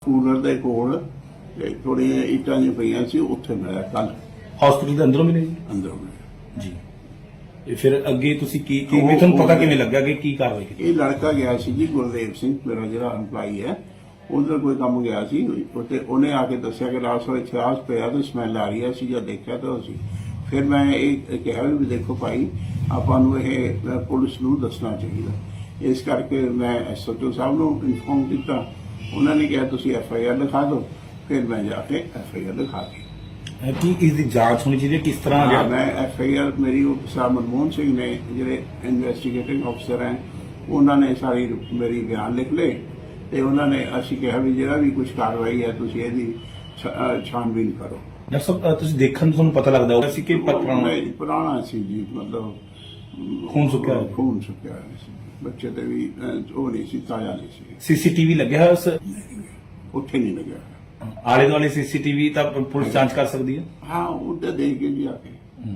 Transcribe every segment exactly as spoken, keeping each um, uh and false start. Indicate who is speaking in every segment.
Speaker 1: Cooler ਦੇ ਕੋਲ ਥੋੜੀਆਂ ਇੱਟਾਂ ਜਿਹੀਆਂ ਪਈਆਂ ਸੀ, ਉੱਥੇ ਮਿਲਿਆ ਕੱਲ
Speaker 2: ਹਸਪੀਟਲ ਦੇ ਅੰਦਰੋਂ ਮਿਲੇ ਜੀ
Speaker 1: ਅੰਦਰੋਂ ਮਿਲਿਆ
Speaker 2: ਜੀ। ਇਹ ਫਿਰ ਅੱਗੇ ਤੁਸੀਂ ਕੀ ਕੀ ਤੁਹਾਨੂੰ ਪਤਾ ਕਿਵੇਂ ਲੱਗਾ ਕਿ ਕੀ ਕਾਰਵਾਈ ਕੀਤੀ?
Speaker 1: ਇਹ ਲੜਕਾ ਗਿਆ ਸੀ ਜੀ, ਗੁਰਦੇਵ ਸਿੰਘ ਮੇਰਾ ਜਿਹੜਾ ਇੰਪਲਾਈ ਹੈ, ਉਧਰ ਕੋਈ ਕੰਮ ਗਿਆ ਸੀ ਉੱਥੇ, ਉਹਨੇ ਆ ਕੇ ਦੱਸਿਆ ਕਿ ਰਾਤ ਨੂੰ ਇੱਥੇ ਆਸ ਪਿਆ ਤੇ ਸਮੈਲ ਆ ਰਹੀ ਹੈ। ਅਸੀਂ ਜਦ ਦੇਖਿਆ ਤਾਂ ਅਸੀਂ ਫਿਰ ਮੈਂ ਇਹ ਕਿਹਾ ਵੀ ਦੇਖੋ ਭਾਈ, ਆਪਾਂ ਨੂੰ ਇਹ ਪੁਲਿਸ ਨੂੰ ਦੱਸਣਾ ਚਾਹੀਦਾ। ਇਸ ਕਰਕੇ ਮੈਂ ਐਸਓਟੀ ਸਾਹਿਬ ਨੂੰ ਇਨਫੋਰਮ ਕੀਤਾ। ਉਹਨਾਂ ਨੇ ਕਿਹਾ ਤੁਸੀਂ ਐਫ ਆਈ ਆਰ ਲਿਖਾ ਦਿਓ। ਫਿਰ ਮੈਂ ਜਾ ਕੇ ਐਫ ਆਈ ਆਰ ਲਿਖਾ ਦਿੱਤੀ।
Speaker 2: ਕੀ ਇਸ ਦੀ ਜਾਂਚ ਹੋਣੀ ਚਾਹੀਦੀ ਹੈ? ਕਿਸ ਤਰ੍ਹਾਂ
Speaker 1: ਹਾਂ, ਮੈਂ ਐਫ ਆਈ ਆਰ ਮੇਰੀ ਉਹ ਸਾਹਿਬ ਮਨਮੋਹਨ ਸਿੰਘ ਨੇ ਜਿਹੜੇ ਇਨਵੈਸਟੀਗੇਟਿੰਗ ਅਫਸਰ ਹੈ, ਉਹਨਾਂ ਨੇ ਸਾਰੀ ਮੇਰੀ ਬਿਆਨ ਲਿਖ ਲਏ ਤੇ ਉਹਨਾਂ ਨੇ ਅਸੀਂ ਕਿਹਾ ਵੀ ਜਿਹੜਾ ਵੀ ਕੁਝ ਕਾਰਵਾਈ ਹੈ ਤੁਸੀਂ ਇਹਦੀ ਛਾਣਬੀਨ ਕਰੋ।
Speaker 2: ਡਾਕਟਰ ਸਾਹਿਬ ਤੁਸੀਂ ਦੇਖਣ ਨੂੰ ਤੁਹਾਨੂੰ ਪਤਾ ਲੱਗਦਾ ਹੋਗਾ ਸੀ ਕਿ ਪੁਰਾਣਾ
Speaker 1: ਪੁਰਾਣਾ ਸੀ ਜੀ, ਮਤਲਬ
Speaker 2: ਖੂਨ ਸੁੱਕਿਆ ਹੋਇਆ।
Speaker 1: ਖੂਨ ਸੁੱਕਿਆ ਹੋਇਆ ਸੀ। ਬੱਚੇ ਤੇ ਵੀ ਉਹ ਨਹੀਂ ਸੀ, ਤਾਜ਼ਾ ਨਹੀਂ ਸੀ।
Speaker 2: ਸੀਸੀਟੀਵੀ ਲੱਗਿਆ ਹੋਇਆ ਉਸ
Speaker 1: ਉੱਥੇ ਨਹੀਂ ਲੱਗਿਆ।
Speaker 2: ਆਲੇ ਦੁਆਲੇ ਸੀਸੀਟੀਵੀ ਤਾਂ ਪੁਲਿਸ ਜਾਂਚ ਕਰ ਸਕਦੀ ਹੈ।
Speaker 1: ਹਾਂ, ਉੱਤੇ ਦੇਖ ਕੇ ਜੀ ਆ ਕੇ।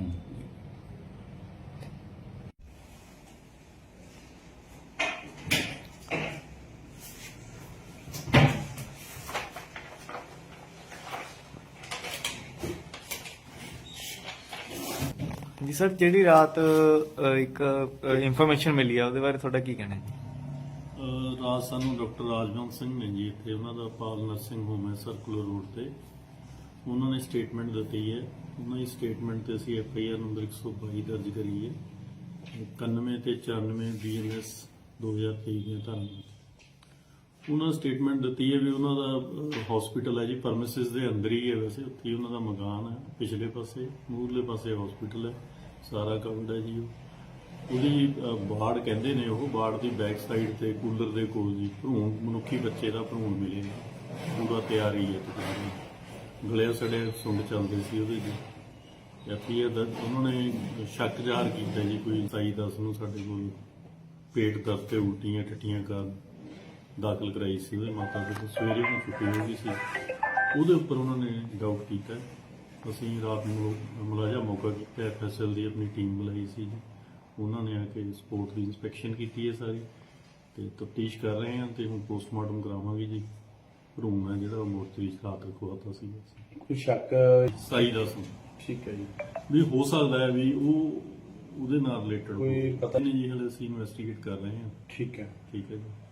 Speaker 3: जी सर, ਜਿਹੜੀ ਰਾਤ ਇੱਕ ਇਨਫੋਰਮੇਸ਼ਨ ਮਿਲੀ ਆ ਉਹਦੇ ਬਾਰੇ ਤੁਹਾਡਾ ਕੀ ਕਹਿਣਾ ਹੈ?
Speaker 4: ਰਾਤ ਸਾਨੂੰ ਡਾਕਟਰ ਰਾਜਵੰਤ ਸਿੰਘ ਨੇ ਜੀ, ਇੱਥੇ ਉਹਨਾਂ ਦਾ ਪਾਲ ਨਰਸਿੰਗ ਹੋਮ ਹੈ ਸਰਕੂਲਰ ਰੋਡ ਤੇ, ਉਹਨਾਂ ਨੇ ਸਟੇਟਮੈਂਟ ਦਿੱਤੀ ਹੈ। ਉਹਨਾਂ ਦੀ ਸਟੇਟਮੈਂਟ ਤੇ ਅਸੀਂ ਐਫ ਆਈ ਆਰ ਨੰਬਰ ਇੱਕ ਸੌ ਬਾਈ ਦਰਜ ਕਰੀ ਹੈ, ਇਕਾਨਵੇਂ ਤੇ ਚੁਰਾਨਵੇਂ ਬੀ ਐਨ ਐਸ ਦੋ ਹਜ਼ਾਰ ਤੇਈ ਦੀਆਂ ਧਾਰਾਵਾਂ। ਉਹਨਾਂ ਸਟੇਟਮੈਂਟ ਦਿੱਤੀ ਹੈ ਵੀ ਉਹਨਾਂ ਦਾ ਹਸਪੀਟਲ ਹੈ ਜੀ, ਪਰਮਿਸਿਸ ਦੇ ਅੰਦਰ ਹੀ ਹੈ, ਵੈਸੇ ਉੱਥੇ ਹੀ ਉਹਨਾਂ ਦਾ ਮਕਾਨ ਹੈ, ਪਿਛਲੇ ਪਾਸੇ ਮੂਹਰਲੇ ਪਾਸੇ ਹਸਪੀਟਲ ਹੈ, ਸਾਰਾ ਕਵਰਡ ਹੈ ਜੀ। ਉਹ ਉਹਦੀ ਬਾੜ ਕਹਿੰਦੇ ਨੇ, ਉਹ ਬਾੜ ਦੀ ਬੈਕ ਸਾਈਡ ਤੇ ਕੂਲਰ ਦੇ ਕੋਲ ਜੀ ਭਰੂਣ, ਮਨੁੱਖੀ ਬੱਚੇ ਦਾ ਭਰੂਣ ਮਿਲੇ, ਪੂਰਾ ਤਿਆਰੀ ਹੈ ਤਕਰੀਬਨ, ਗਲੇ ਸੜੇ ਸੁੰਡ ਚੱਲਦੇ ਸੀ ਉਹਦੇ ਜੀ। ਐਫ ਆਈ ਆਰ ਦਾ ਉਹਨਾਂ ਨੇ ਸ਼ੱਕ ਜ਼ਾਹਰ ਕੀਤਾ ਜੀ, ਕੋਈ ਸਤਾਈ ਦਸ ਨੂੰ ਸਾਡੇ ਕੋਲ ਪੇਟ ਦਰਦ ਤੇ ਉਲਟੀਆਂ ਟੱਟੀਆਂ ਕਾਰਨ ਦਾਖਲ ਕਰਾਈ ਸੀ ਉਹਦੀ ਮਾਤਾ ਕੋਲ, ਸਵੇਰੇ ਨੂੰ ਛੁੱਟੀ ਹੋ ਗਈ ਸੀ। ਉਹਦੇ ਉੱਪਰ ਉਹਨਾਂ ਨੇ ਡਾਊਟ ਕੀਤਾ। ਅਸੀਂ ਰਾਤ ਨੂੰ ਮੁਲਾਜ਼ਾ ਮੌਕਾ ਕੀਤਾ, ਐਫ ਐਸ ਐਲ ਦੀ ਆਪਣੀ ਟੀਮ ਬੁਲਾਈ ਸੀ ਜੀ, ਉਹਨਾਂ ਨੇ ਆ ਕੇ ਸਪੋਰਟ ਦੀ ਇੰਸਪੈਕਸ਼ਨ ਕੀਤੀ ਹੈ ਸਾਰੀ, ਤੇ ਤਫਤੀਸ਼ ਕਰ ਰਹੇ ਹਾਂ ਤੇ ਹੁਣ ਪੋਸਟਮਾਰਟਮ ਕਰਾਵਾਂਗੇ ਜੀ। ਭਰੂਣ ਹੈ ਜਿਹੜਾ ਮੋਰਚਰੀ ਚ ਰਾਤ ਰਖਵਾਤਾ ਸੀ।
Speaker 2: ਕੋਈ ਸ਼ੱਕ
Speaker 4: ਸਤਾਈ ਦਸ ਨੂੰ
Speaker 2: ਠੀਕ ਹੈ ਜੀ,
Speaker 4: ਵੀ ਹੋ ਸਕਦਾ ਹੈ ਵੀ ਉਹ ਉਹਦੇ ਨਾਲ ਰਿਲੇਟਡ
Speaker 2: ਕੋਈ ਪਤਾ
Speaker 4: ਨਹੀਂ ਜੀ, ਹਲੇ ਅਸੀਂ ਇਨਵੈਸਟੀਗੇਟ ਕਰ ਰਹੇ ਹਾਂ।
Speaker 2: ਠੀਕ ਹੈ
Speaker 4: ਠੀਕ ਹੈ ਜੀ।